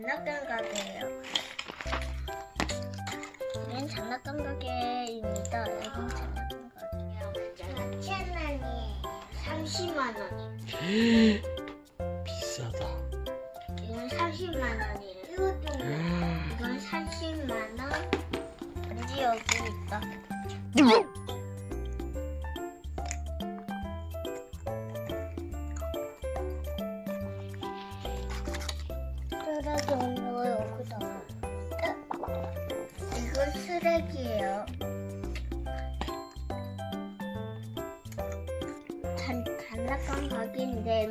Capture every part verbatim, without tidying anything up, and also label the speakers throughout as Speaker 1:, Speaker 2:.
Speaker 1: 장난감 가게예요. 여긴 장난감 가게입니다. 여긴 장난감 가게. 사천 원이에요. 삼십만 원.
Speaker 2: 비싸다.
Speaker 1: 이건 삼십만 원이에요. 이것도 이건 삼십만 원. 반지 여기 있다. 쓰레기 없는 거 여기다. 이건 쓰레기예요. 단, 장난감 가게인데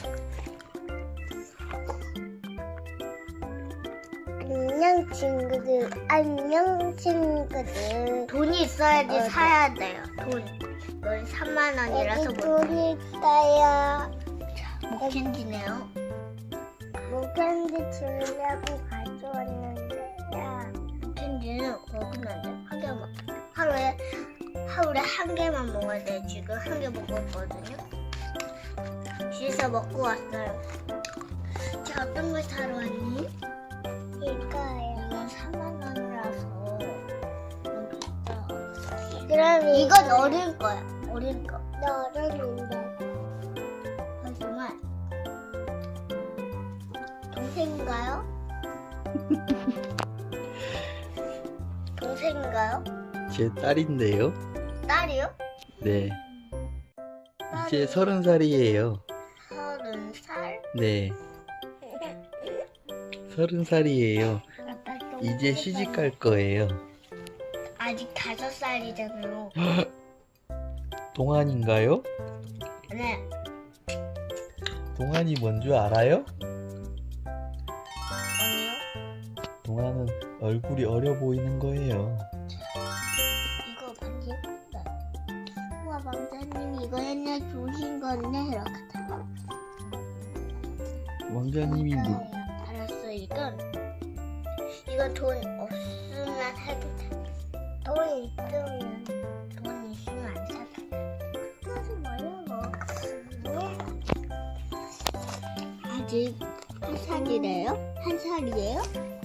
Speaker 1: 안녕 친구들. 안녕 친구들. 돈이 있어야지 어, 사야 돼요. 돈. 이건 삼만 원이라서 못. 돈이 있어요. 자, 목캔디네요. 목캔디 주려고 가져왔는데요. 목캔디는 먹으면 안 돼. 한 개만. 하루에 하루에 한 개만 먹어야 돼. 지금 한 개 먹고 있거든요. 집에서 먹고 왔어요. 자, 어떤 걸 사러 왔니? 이거예요. 이건 사만 원이라서 너무 비싸. 그럼 이건 어린 거야. 어린 거. 나 어른인데. 하지만 동생인가요? 동생인가요?
Speaker 2: 제 딸인데요.
Speaker 1: 딸이요?
Speaker 2: 네. 이제 서른 살이에요.
Speaker 1: 서른 살?
Speaker 2: 네. 서른 살이에요. 이제 시집 갈 거예요.
Speaker 1: 아직 다섯 살이잖아요.
Speaker 2: 동안인가요?
Speaker 1: 네.
Speaker 2: 동안이 뭔 줄 알아요?
Speaker 1: 아니요.
Speaker 2: 동안은 얼굴이 어려 보이는 거예요.
Speaker 1: 이거 반지 예쁜데. 우와, 왕자님이 이거 옛날 주신 건데 이렇게 다.
Speaker 2: 왕자님이 뭐?
Speaker 1: 알았어. 이건 이건 돈 없으면 사도 돼. 돈 있으면 돈 있으면 안 사도 돼. 하지 말라고. 아직 한 살이래요? 한 살이에요?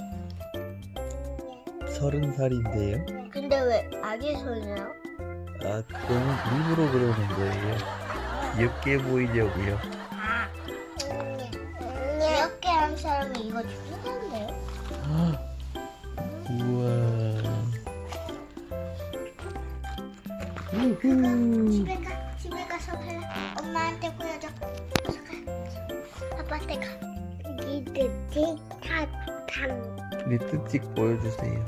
Speaker 2: 서른 살인데요.
Speaker 1: 근데 왜 아기 소녀요?
Speaker 2: 아, 그거는 일부러 그러는 거예요. 귀엽게 보이려고요.
Speaker 1: 아, 귀엽게 한 사람이 이거 죽는다는데요?
Speaker 2: 우와. 우후.
Speaker 1: 집에 가, 집에 가서 해. 엄마한테 보여줘. 가서 가. 아빠한테 가. 니들 틱탁탐.
Speaker 2: 네 뜻찍 보여주세요.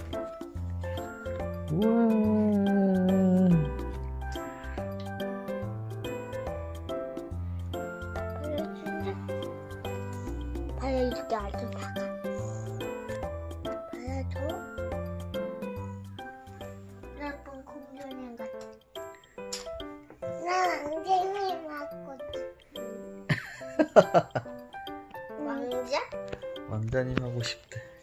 Speaker 2: 우와.
Speaker 1: 봐요, 이렇게 아주 작아. 봐야죠. 나쁜 공주님 같아. 나 왕자님 하고 싶어. 왕자?
Speaker 2: 왕자님 하고 싶대.